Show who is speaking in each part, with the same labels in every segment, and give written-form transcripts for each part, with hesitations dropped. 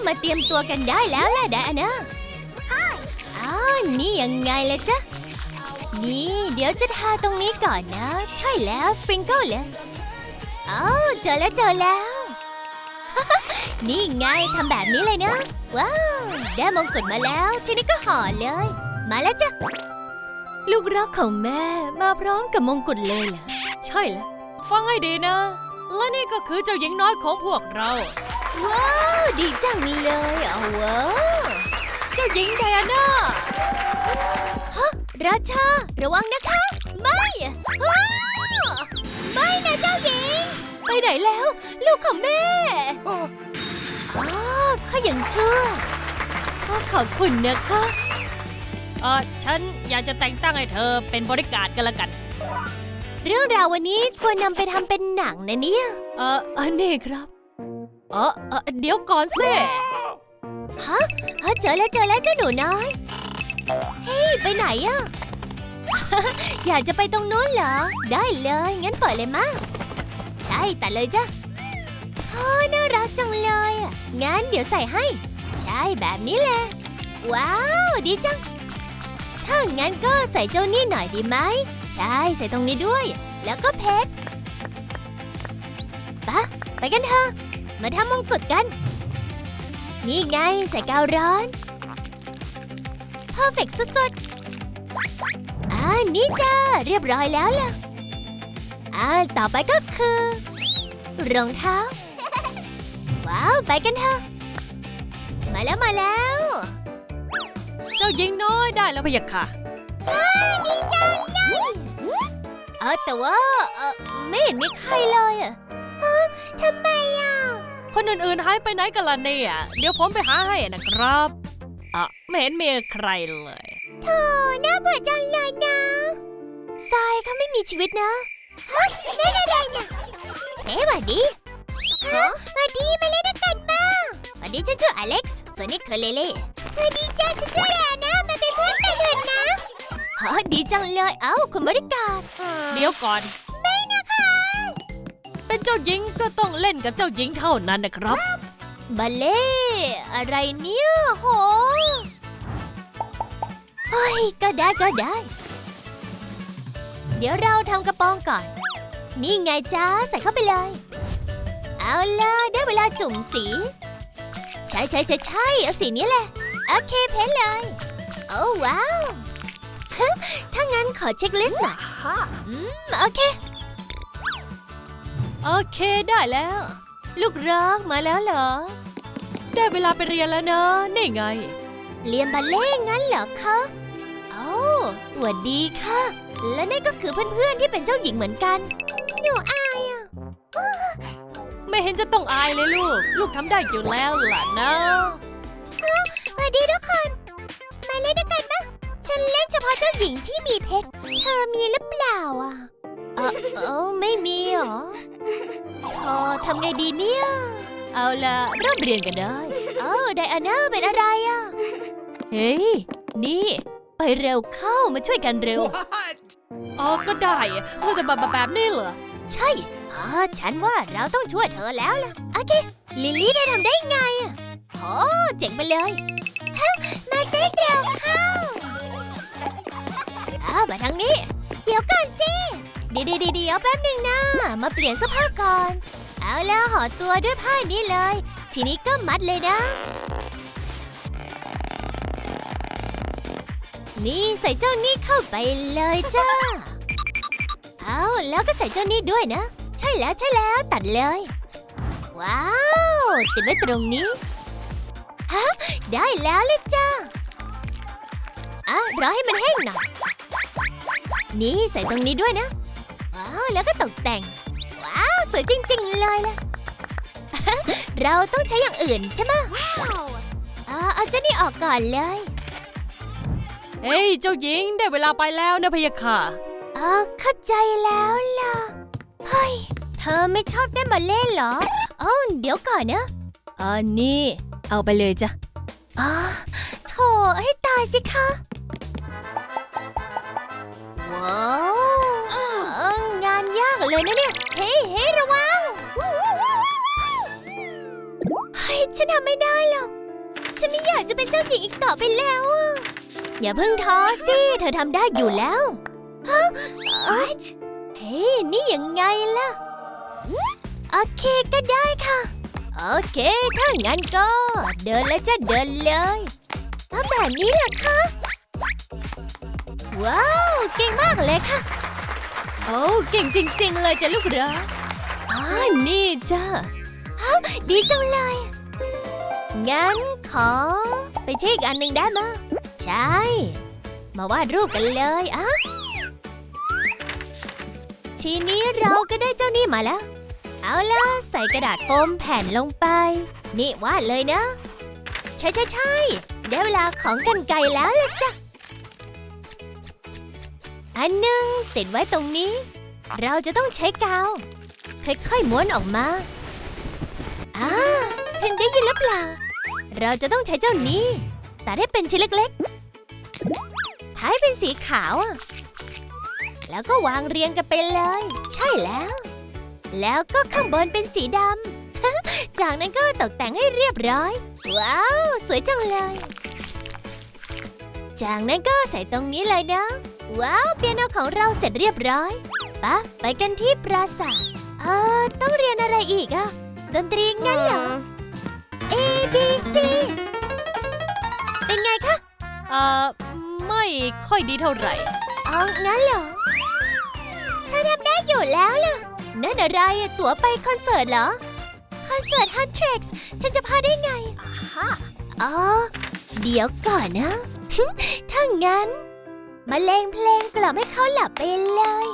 Speaker 1: มาเตรียมตัวกันได้แล้วล่ะไดอาน่าอ้าวนี่ยังไงล่ะจ๊ะนี่เดี๋ยวจะทาตรงนี้ก่อนนะใช่แล้วสปริงเกิลเลยอ้าวเจอแล้ว นี่ไงทำแบบนี้เลยนะว้าวได้มงกุฎมาแล้วทีนี้ก็ห่อเลยมาแล้วจ้ะลูกรักของแม่มาพร้อมกับมงกุฎเลยล่ะใช่แล้วฟังให้ดีนะและนี่ก็คือเจ้าหญิงน้อยของพวกเราว้าวดีจังเลยเอาว้าวเจ้าหญิงไดอาน่าฮะราชาระวังนะคะไม่ว้าวไม่นะเจ้าหญิงไปไหนแล้วลูกของแม่ข้ายังเชื่อขอบคุณนะคะ
Speaker 2: ฉันอยากจะแต่งตั้งให้เธอเป็นบริการกันละกัน
Speaker 1: เรื่องราววันนี้ควรนำไปทำเป็นหนังนะเนี่ยนี่ครับ
Speaker 2: เดี๋ยวก่อนสิ
Speaker 1: ฮะเจอแล้วเจ้าหนูน้อยเฮ้ยไปไหนอะ อยากจะไปตรงนู้นเหรอได้เลยงั้นเปิดเลยมาใช่ตัดเลยจ้ะน่ารักจังเลยงั้นเดี๋ยวใส่ให้ใช่แบบนี้แหละว้าวดีจังถ้างั้นก็ใส่เจ้านี่หน่อยดีไหมใช่ใส่ตรงนี้ด้วยแล้วก็เพชรไปกันเถอะมาทำมงกุฎกันนี่ไงใส่กาวร้อนเพอร์เฟกต์สุดๆนี่จ้าเรียบร้อยแล้วล่ะต่อไปก็คือรองเท้าว้าวไปกันเถอะมาแล้ว
Speaker 2: เจ้าหญิงน้อยได้แล้วพะยะค่ะ
Speaker 1: ดีจังเลยแต่ว่าไม่เห็นมีใครเลยทำไม
Speaker 2: คนอื่นๆหายไปไหนกันล่ะเนี่ยเดี๋ยวผมไปหาให้นะครับไม่เห็นมีใครเลย
Speaker 1: โธ่น่าเบื่อจังเลยนะทรายเขาไม่มีชีวิตนะได้นะหวัดดีหวัดดีมาเล่นด้วยกันบ้างหวัดดีฉันชื่ออเล็กซ์ส่วนนี้คือเลเล่หวัดดีจ้าฉันชื่อแอนนะมาเป็นเพื่อนกันเถอะนะดีจังเลยคุณบริการ
Speaker 2: เดี๋ยวก่อน
Speaker 1: ไม่นะคะ
Speaker 2: เป็นเจ้าหญิงก็ต้องเล่นกับเจ้าหญิงเท่านั้นนะครับ
Speaker 1: บัลเล่อะไรเนี่ยโหก็ได้เดี๋ยวเราทำกระโปรงก่อนนี่ไงจ้าใส่เข้าไปเลยเอาล่ะได้เวลาจุ่มสีใช่เอาสีนี้แหละโอเคเพ้นเลยโอ้ว้าวถ้างั้นขอเช็คลิสต์หน่อยโอเค
Speaker 2: ได้แล้ว
Speaker 1: ลูกรักมาแล้วเหรอ
Speaker 2: ได้เวลาไปเรียนแล้วนะนี่ไง
Speaker 1: เรียนบัลเล่งั้นเหรอคะสวัสดีค่ะและนี่ก็คือเพื่อนๆที่เป็นเจ้าหญิงเหมือนกันหนูอาย
Speaker 2: ไม่เห็นจะต้องอายเลยลูกทำได้อยู่แล้วล่ะนะ
Speaker 1: สวัสดีทุกคนมาเล่นด้วยกันปะฉันเล่นเฉพาะเจ้าหญิงที่มีเพชรเธอมีหรือเปล่าไม่มีหรอทำไงดีเนี่ย
Speaker 2: เอาล่ะเริ่มเรียนกันได้
Speaker 1: ไดอาน่าเป็นอะไร
Speaker 2: เฮ้ยนี่
Speaker 1: ไปเร็วเข้ามาช่วยกันเร็ว
Speaker 2: ก็ได้แต่แบบนี้เหรอ
Speaker 1: ใช่ฉันว่าเราต้องช่วยเธอแล้วล่ะโอเคลิลลี่ได้ทำได้ไงเจ๋งไปเลยมาเต้นเร็วเข้ามาทางนี้เดี๋ยวก่อนสิเดี๋ยวแป๊บหนึ่งนะมาเปลี่ยนเสื้อผ้าก่อนเอาแล้วห่อตัวด้วยผ้านี้เลยทีนี้ก็มัดเลยนะนี่ใส่เจ้านี่เข้าไปเลยจ้าแล้วก็ใส่เจ้านี่ด้วยนะใช่แล้วตัดเลยว้าวติดไว้ตรงนี้ได้แล้วเลยจ้ารอให้มันแห้งหน่อยนี่ใส่ตรงนี้ด้วยนะว้าวแล้วก็ตกแต่งว้าวสวยจริงๆเลยล่ะ เราต้องใช้อย่างอื่นใช่ไหมเอาเจ้านี่ออกก่อนเลย
Speaker 2: เฮ้ยเจ้าหญิงได้เวลาไปแล้วนะพะยะค่ะ
Speaker 1: เข้าใจแล้วล่ะเฮ้ยเธอไม่ชอบเต้นบัลเล่ต์เหรอเดี๋ยวก่อนนะ
Speaker 2: นี่เอาไปเลยจ้ะ
Speaker 1: โถให้ตายสิคะว้าวงานยากเลยนะเนี่ยเฮ้ระวังเฮ้ยฉันทำไม่ได้หรอกฉันไม่อยากจะเป็นเจ้าหญิงอีกต่อไปแล้วอะอย่าเพิ่งท้อสิเธอทำได้อยู่แล้วฮะเฮ้ยนี่ยังไงล่ะโอเคก็ได้ค่ะโอเคถ้างั้นก็เดินเลยจ้ะเดินเลยเอาแบบนี้เหรอคะว้าวเก่งมากเลยค่ะ
Speaker 2: โอ้เก่งจริงๆเลยจ้ะลูกรัก
Speaker 1: นี่จ้ะดีจังเลยงั้นขอไปเช็คอีกอันหนึ่งได้ไหมใช่มาวาดรูปกันเลยอะทีนี้เราก็ได้เจ้านี่มาแล้วเอาล่ะใส่กระดาษโฟมแผ่นลงไปนี่วาดเลยนะใช่ได้เวลาของกรรไกรแล้วล่ะจ้ะอันหนึ่งติดไว้ตรงนี้เราจะต้องใช้กาวค่อยๆม้วนออกมาเห็นได้ยินหรือเปล่าเราจะต้องใช้เจ้านี้ตัดให้เป็นชิ้นเล็กๆท้ายเป็นสีขาวแล้วก็วางเรียงกันไปเลยใช่แล้วก็ข้างบนเป็นสีดำ จากนั้นก็ตกแต่งให้เรียบร้อยว้าวสวยจังเลยจากนั้นก็ใส่ตรงนี้เลยนะว้าวเปียโนของเราเสร็จเรียบร้อยไปกันที่ปราสาทต้องเรียนอะไรอีกอะดนตรีงั้นเหรอ A B C เป็นไงคะ
Speaker 2: ไม่ค่อยดีเท่าไหร่
Speaker 1: งั้นเหรอเธอทำได้อยู่แล้วล่ะนั่นอะไรตั๋วไปคอนเสิร์ตเหรอคอนเสิร์ตฮันทริกซ์ฉันจะพาได้ไงเดี๋ยวก่อนนะ ถ้างั้นมาเล่นเพลงกล่อมให้เขาหลับไปเลย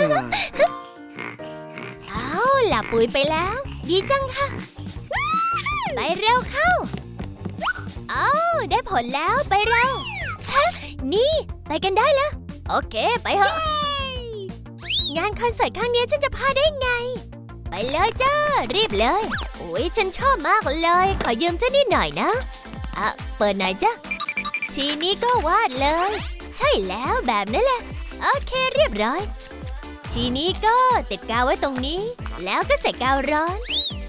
Speaker 1: หลับปุ๋ยไปแล้วดีจังค่ะไปเร็วเข้าได้ผลแล้วไปเร็วนี่ไปกันได้แล้วโอเคไปเถอะงานคอนเสิร์ตครั้งนี้ฉันจะพาได้ไงไปเลยจ้ารีบเลยโอ้ยฉันชอบมากเลยขอยืมเจ้านี่หน่อยนะเปิดหน่อยจ้ะทีนี้ก็วาดเลยใช่แล้วแบบนั้นแหละโอเคเรียบร้อยทีนี้ก็ติดกาวไว้ตรงนี้แล้วก็ใส่กาวร้อน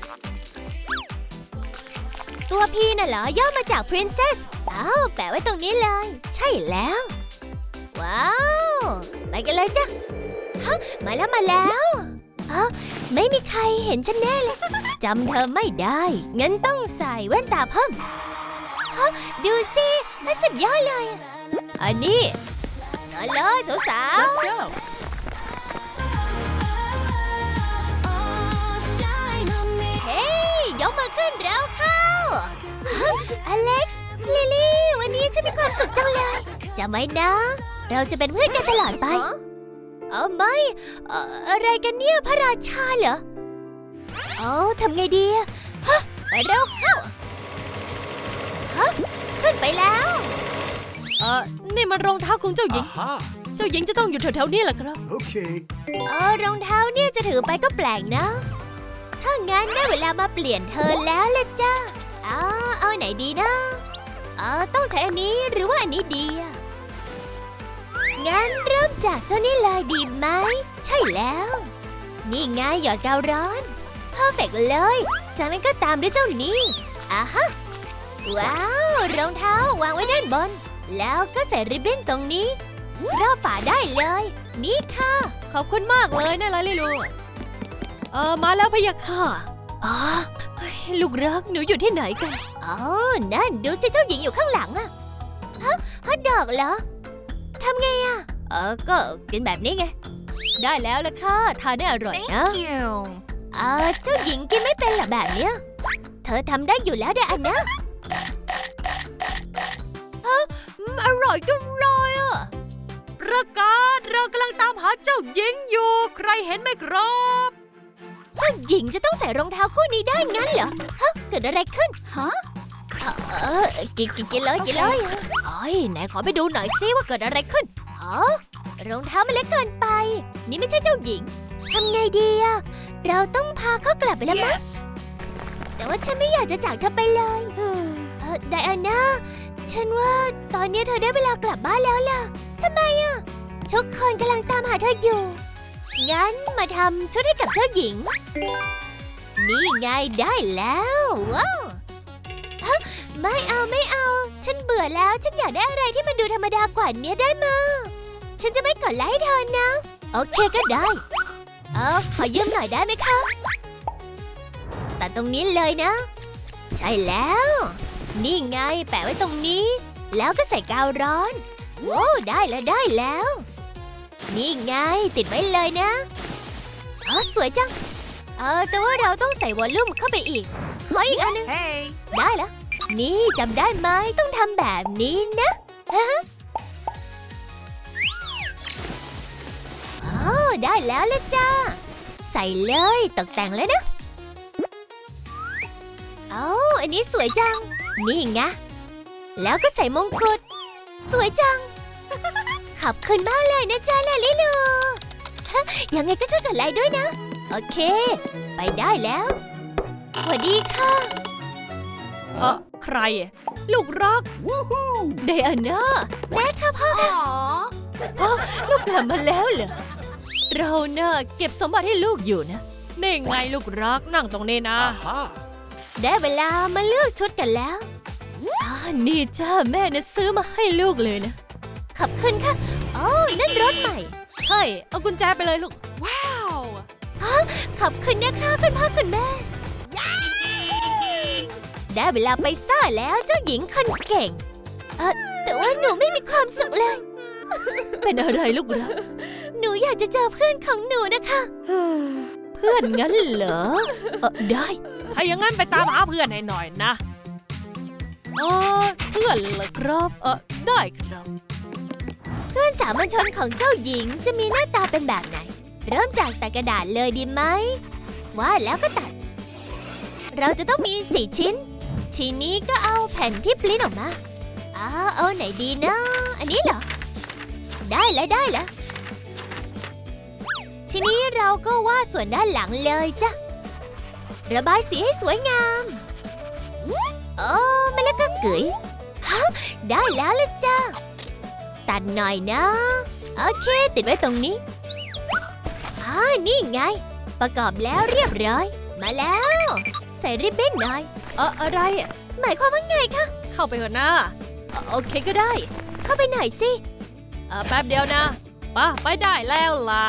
Speaker 1: ตัวพี่น่ะเหรอย่อมาจาก Princess แปะไว้ตรงนี้เลยใช่แล้วว้าวไปกันเลยจ้ะมาแล้วไม่มีใครเห็นฉันแน่เลยจำเธอไม่ได้งั้นต้องใส่แว่นตาเพิ่มดูสิสุดยอดเลยอันนี้มาเลยสาวๆ
Speaker 2: Let's go
Speaker 1: ยกมือขึ้นแล้วเข้าอเล็กซ์ลิลี่วันนี้ฉันมีความสุขจังเลยจำไว้นะเราจะเป็นเพื่อนกันตลอดไปไม่อะไรกันเนี่ยพระราชาเหรอทำไงดีไปเร็วเข้าขึ้นไปแล้ว
Speaker 2: นี่มันรองเท้าของเจ้าหญิงเจ้าหญิงจะต้องอยู่แถวๆนี้แหละครับ
Speaker 3: โอเค
Speaker 1: รองเท้าเนี่ยจะถือไปก็แปลกนะถ้างั้นได้เวลามาเปลี่ยนเธอแล้วล่ะจ้าเอาไหนดีนะต้องใช้อันนี้หรือว่าอันนี้ดีงั้นเริ่มจากเจ้านี่เลยดีไหมใช่แล้วนี่ไงหยอดกาวร้อนเพอร์เฟกต์เลยจากนั้นก็ตามด้วยเจ้านี้ว้าวรองเท้าวางไว้ด้านบนแล้วก็ใส่ริบบิ้นตรงนี้รอบฝาได้เลยนี่ค่ะ
Speaker 2: ขอบคุณมากเลยนะลาลิลูมาแล้วพะยะค่ะลูกรักหนูอยู่ที่ไหนกัน
Speaker 1: นั่นดูสิเจ้าหญิงอยู่ข้างหลังฮอทดอกเหรอทำไงก็กินแบบนี้ไง
Speaker 2: ได้แล้วล่ะค่ะทานได้อร่อยนะ
Speaker 1: เจ้าหญิงกินไม่เป็นหรอแบบเนี้ยเธอทำได้อยู่แล้วเด้อนะ
Speaker 2: อร่อยจังเลยประกาศเรากำลังตามหาเจ้าหญิงอยู่ใครเห็นไหมครับ
Speaker 1: เจ้าหญิงจะต้องใส่รองเท้าคู่นี้ได้งั้นเหรอเกิดอะไรขึ้นกินเลยไหนขอไปดูหน่อยซิว่าเกิดอะไรขึ้นรองเท้ามันเล็กเกินไปนี่ไม่ใช่เจ้าหญิงทำไงดีเราต้องพาเขากลับไปแล้วมั้งแต่ว่าฉันไม่อยากจะจากเธอไปเลยไดอาน่าฉันว่าตอนนี้เธอได้เวลากลับบ้านแล้วล่ะทำไมทุกคนกำลังตามหาเธออยู่งั้นมาทำชุดให้กับเจ้าหญิงนี่ไงได้แล้วว้าวไม่เอา ฉันเบื่อแล้ว ฉันอยากได้อะไรที่มันดูธรรมดากว่านี้ได้มาฉันจะไม่กดไลค์เธอนะ โอเคก็ได้ ขอยืมหน่อยได้ไหมคะตัดตรงนี้เลยนะ ใช่แล้ว นี่ไงแปะไว้ตรงนี้ แล้วก็ใส่กาวร้อนโอ้ได้แล้ว นี่ไงติดไว้เลยนะสวยจังแต่ว่าเราต้องใส่วอลลุ่มเข้าไปอีกขออีกอันนึง ได้แล้ว นี่จำได้ไหมต้องทำแบบนี้นะได้แล้วละจ้าใส่เลยตกแต่งเลยนะอันนี้สวยจังนี่ไงแล้วก็ใส่มงกุฎสวยจังขอบคุณมากเลยนะจ๊ะลาลิลูยังไงก็ช่วยกดไลค์ด้วยนะโอเคไปได้แล้วสวัสดีค่ะ
Speaker 2: ใครลูกรัก
Speaker 1: ไดอาน่าแม่ค่ะพ่อค่ะลูกกลับมาแล้วเหรอเราน่ะเก็บสมบัติให้ลูกอยู่นะ
Speaker 2: นี่ไงลูกรักนั่งตรงนี้นะ
Speaker 1: ได้เวลามาเลือกชุดกันแล้วนี่จ้าแม่นะซื้อมาให้ลูกเลยนะขอบคุณค่ะนั่นรถใหม่
Speaker 2: ใช่เอากุญแจไปเลยลูกว้าว
Speaker 1: ขอบคุณนะคะคุณพ่อคุณแม่ได้เวลาไปซ่าแล้วเจ้าหญิงคนเก่งแต่ว่าหนูไม่มีความสุขเลยเป็นอะไรลูกรักหนูอยากจะเจอเพื่อนของหนูนะคะเพื่อนงั้นเหรอได้
Speaker 2: ถ้าอย่างงั้นไปตามหาเพื่อนให้หน่อยนะเพื่อนเหรอครับได้ครับ
Speaker 1: เพื่อนสามัญชนของเจ้าหญิงจะมีหน้าตาเป็นแบบไหนเริ่มจากตัดกระดาษเลยดีไหมว่าแล้วก็ตัดเราจะต้องมี4 ชิ้นทีนี้ก็เอาแผ่นที่ปริ้นออกมาเอาไหนดีนะอันนี้เหรอได้แล้วทีนี้เราก็วาดส่วนด้านหลังเลยจ้ะระบายสีให้สวยงามมาแล้วก็เกยได้แล้วละจ้ะตัดหน่อยนะโอเคติดไว้ตรงนี้นี่ไงประกอบแล้วเรียบร้อยมาแล้วใส่ริบบิ้นหน่อย
Speaker 2: อะไร
Speaker 1: หมายความว่าไงคะ
Speaker 2: เข้าไปเถอะนะ
Speaker 1: โอเคก็ได้เข้าไปหน่อยสิ
Speaker 2: แป๊บเดียวนะไปได้แล้วล่ะ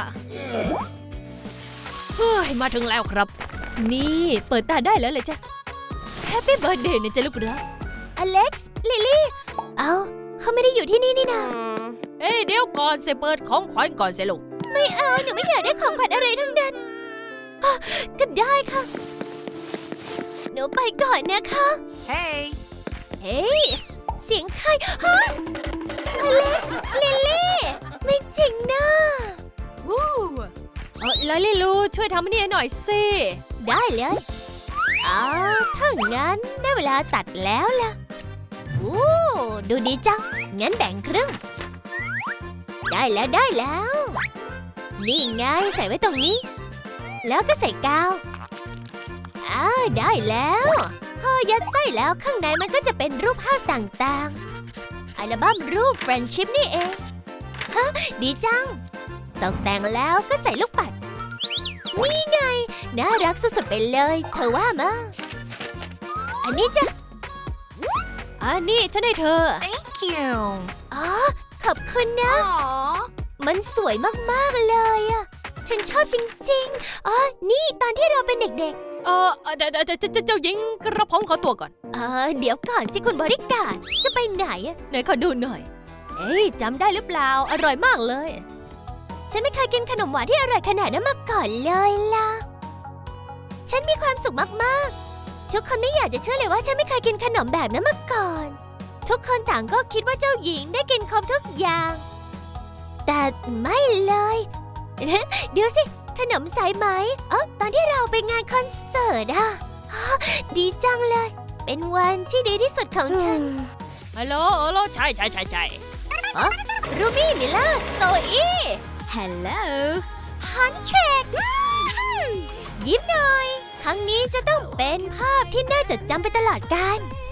Speaker 2: เฮ้ยมาถึงแล้วครับ
Speaker 1: นี่เปิดตาได้แล้วเลยจ้ะแฮปปี้เบิร์ธเดย์นะจ๊ะลูกรักอเล็กซ์ลิลลี่เขาไม่ได้อยู่ที่นี่นี่นา
Speaker 2: เดี๋ยวก่อนสิเปิดของขวัญก่อนสิลูก
Speaker 1: ไม่เอาหนูไม่อยากได้ของขวัญอะไรทั้งนั้นก็ได้ค่ะหนูไปก่อนนะคะเฮ้ยเสียงใครอเล็กซ์ลิลลี่ไม่จริงนะ
Speaker 2: ลาลิลูช่วยทำนี่หน่อยสิ
Speaker 1: ได้เลยถ้างั้นได้เวลาตัดแล้วล่ะดูดีจังงั้นแบ่งครึ่งได้แล้วนี่ไงใส่ไว้ตรงนี้แล้วก็ใส่กาวได้แล้วพอยัดไส้แล้วข้างในมันก็จะเป็นรูปภาพต่างๆอัลบั้มรูป Friendship นี่เองดีจังตกแต่งแล้วก็ใส่ลูกปัดนี่ไงน่ารักสุดๆไปเลยเธอว่ามาอันนี้จ้ะ
Speaker 2: อันนี้ฉันให้เธอ
Speaker 1: Thank you ขอบคุณนะมันสวยมากๆเลยฉันชอบจริงๆนี่ตอนที่เราเป็นเด็กๆ
Speaker 2: เจ้าหญิงกระผมขอตัวก่อน
Speaker 1: เดี๋ยวก่อนสิคุณบริการจะไปไหน
Speaker 2: ไหนขอดูหน่อย
Speaker 1: จำได้หรือเปล่าอร่อยมากเลยฉันไม่เคยกินขนมหวานที่อร่อยขนาดนั้นมาก่อนเลยล่ะฉันมีความสุขมากๆทุกคนไม่อยากจะเชื่อเลยว่าฉันไม่เคยกินขนมแบบนั้นมาก่อนทุกคนต่างก็คิดว่าเจ้าหญิงได้กินครบทุกอย่างแต่ไม่เลยเดี๋ยวสิขนมสายไหมตอนที่เราไปงานคอนเสิร์ตดีจังเลยเป็นวันที่ดีที่สุดของฉัน
Speaker 2: ฮัลโหลใช่
Speaker 1: รูบี้มิล่าโซอี้ฮัลโหลฮันเช็กยิ้มหน่อยครั้งนี้จะต้องเป็นภาพที่น่าจดจำไปตลอดกาล